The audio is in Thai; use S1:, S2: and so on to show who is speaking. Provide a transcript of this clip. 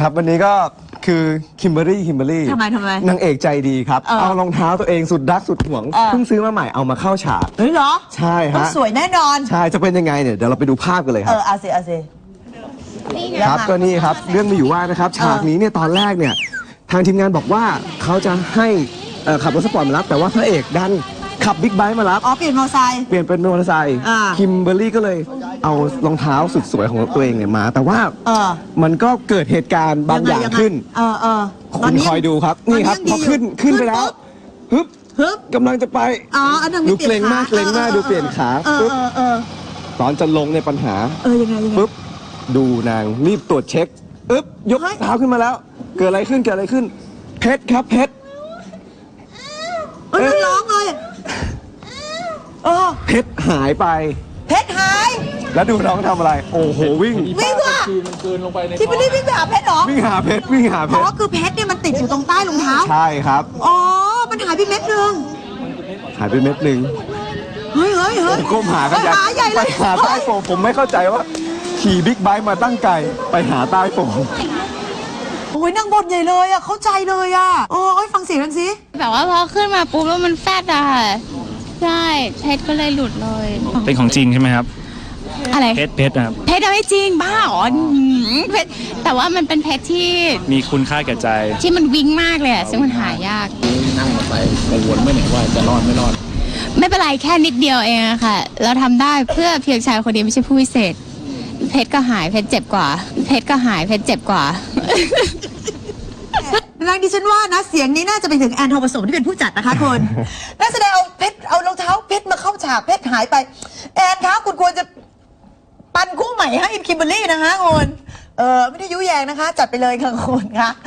S1: ครับวันนี้ก็คือคิมเบอรี่
S2: ทำไม
S1: นางเอกใจดีครับเอารองเท้าตัวเองสุดรักสุดหวงเพิ่งซื้อมาใหม่เอามาเข้าฉาก
S2: เฮ้ยเหรอ
S1: ใช่ฮะ
S2: ต้องสวยแน่นอน
S1: ใช่จะเป็นยังไงเนี่ยเดี๋ยวเราไปดูภาพกันเลยครับ
S2: เอาสิ
S1: ครับก็นี่ครับเรื่องมีอยู่ว่านะครับฉากนี้เนี่ยตอนแรกเนี่ยทางทีมงานบอกว่าเขาจะให้ขับรถสปอร์ตมารับแต่ว่าพระเอกดันขับบิ๊กไบค์มารับ
S2: เปลี่ยนมอเตอร์ไซค์
S1: เปลี่ยนเป็นมอเตอร์ไซค์คิมเบอร์รี่ก็เลยเอารองเท้าสุดสวยของตัวเองเนี่ยมาแต่ว่ามันก็เกิดเหตุการณ์บางอย่างขึ้นคุณคอยดูครับนี่ครับพอขึ้นไปแล้วฮึบกำลังจะไปดูเกรงมากดูเปลี่ยนขาปึ๊บตอนจะลงในปัญหา
S2: ยังไง
S1: ปึ๊บดูนางรีบตรวจเช็คยกเท้าขึ้นมาแล้วเกิดอะไรขึ้นเพชรครับเพชร
S2: มันร้องเลย
S1: เพชรหายไป
S2: เพชรหาย
S1: แล้วดูน้องทำอะไรโอ้โหวิ่ง
S2: ว่ะที่ไม่ได้วิ่งไปหาเพชรหรอ
S1: วิ่งหาเพชร
S2: อ๋อคือเพชรเนี่ยมันติดอยู่ตรงใต้รองเท้า
S1: ใช่ครับ
S2: อ๋อมันหายไปเม็ดนึงเฮ้ย
S1: ก้มหากัน
S2: ใหญ่เลย
S1: ไปหาใต้โฟมผมไม่เข้าใจว่าขี่บิ๊กไบค์มาตั้งไกลไปหาใต้โฟม
S2: โอ้ยนั่งบนใหญ่เลยอ่ะเข้าใจเลยอ่ะโอ้ยฟังเสียงกันสิ
S3: แบบว่าพอขึ้นมาปุ๊บแล้วมันแฟดอะใช่เพชรก็เลยหลุดเลย
S4: เป็นของจริงใช่ไหมครับ
S3: อะไร
S4: เพชรนะครับ
S3: เพชรไม่จริงบ้าอ๋อเพชรแต่ว่ามันเป็นเพชรที่
S4: มีคุณค่าแก่ใจ
S3: ที่มันวิ่งมากเลยอะซึ่งมันหายาก
S4: นั่งมาไปกังวลไม่ไหนว่าจะรอดไม่รอด
S3: ไม่เป็นไรแค่นิดเดียวเองอะค่ะเราทำได้เพื่อเพียงชายคนเดียวไม่ใช่ผู้พิเศษเพชรก็หายเพชรเจ็บกว่าเพชรก็หายเพชรเจ็บกว่า
S2: นางดิฉันว่านะเสียงนี้น่าจะไปถึงแอนทองผสมที่เป็นผู้จัดนะคะคุณนักแสดงเอาเพชรเอารองเท้าเพชรมาเข้าฉากเพชรหายไปแอนคะคุณควรจะปันคู่ใหม่ให้คิมเบอร์รี่นะคะคุณไม่ได้ยุแยงนะคะจัดไปเลยค่ะคุณคะ